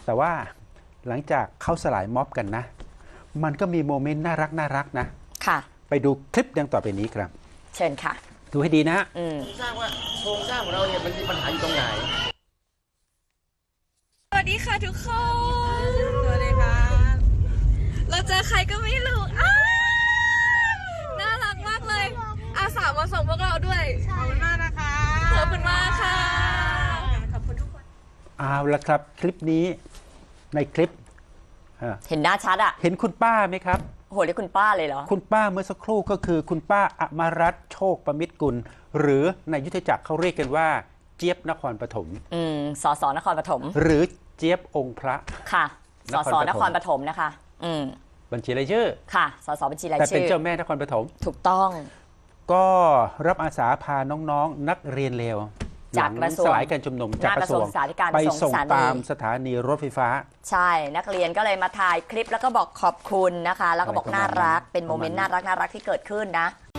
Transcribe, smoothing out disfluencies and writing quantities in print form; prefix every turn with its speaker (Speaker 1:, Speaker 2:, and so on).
Speaker 1: แต่ว่าหลังจากเข้าสลายม็อบกันนะ มันก็มีโมเมนต์น่ารักนะ
Speaker 2: ค่ะ
Speaker 1: ไปดูคลิปดังต่อไปนี้ครับ
Speaker 2: เชิญค่ะ
Speaker 1: ดูให้ดีนะ
Speaker 3: สร้างว่าโครงสร้างของเราเนี่ยมันมีปัญหาอยู่ตรงไหน
Speaker 4: สวัสดีค่ะทุกคน สวัสดีค่ะ เราเจอใครก็ไม่รู้น่ารักมากเลย อาสามาส่งพวกเราด้วย
Speaker 5: ขอบคุณมากนะคะ
Speaker 4: ขอบคุณมากค่ะ
Speaker 5: ขอบคุณทุกคน
Speaker 1: เอาละครับคลิปนี้ในคลิป
Speaker 2: เห็นหน้าชัดอ่ะ
Speaker 1: เห็นคุณป้าไหมครับ
Speaker 2: โหเรียกคุณป้าเลยเหรอ
Speaker 1: คุณป้าเมื่อสักครู่ก็คือคุณป้าอมรัตน์โชคประมิตรกุลหรือในยุทธจักรเขาเรียกกันว่าเจี๊ยบนครปฐม
Speaker 2: สสนครปฐม
Speaker 1: หรือเจี๊ยบองค์พระ
Speaker 2: ค่ะสสนครปฐมนะคะ
Speaker 1: บัญชีรายชื่อ
Speaker 2: ค่ะสสบัญชีราย
Speaker 1: แต่
Speaker 2: ชื่อ
Speaker 1: เป็นเจ้าแม่นครปฐม
Speaker 2: ถูกต้อง
Speaker 1: ก็รับอาสาพาน้องๆนักเรียนเลว
Speaker 2: จากกระทรวง
Speaker 1: สลายการชุมนุมจากกระทรวงไปส่งตามสถานีรถไฟฟ้า
Speaker 2: ใช่นักเรียนก็เลยมาถ่ายคลิปแล้วก็บอกขอบคุณนะคะแล้วก็บอกน่ารักเป็นโมเมนต์น่ารักที่เกิดขึ้นนะ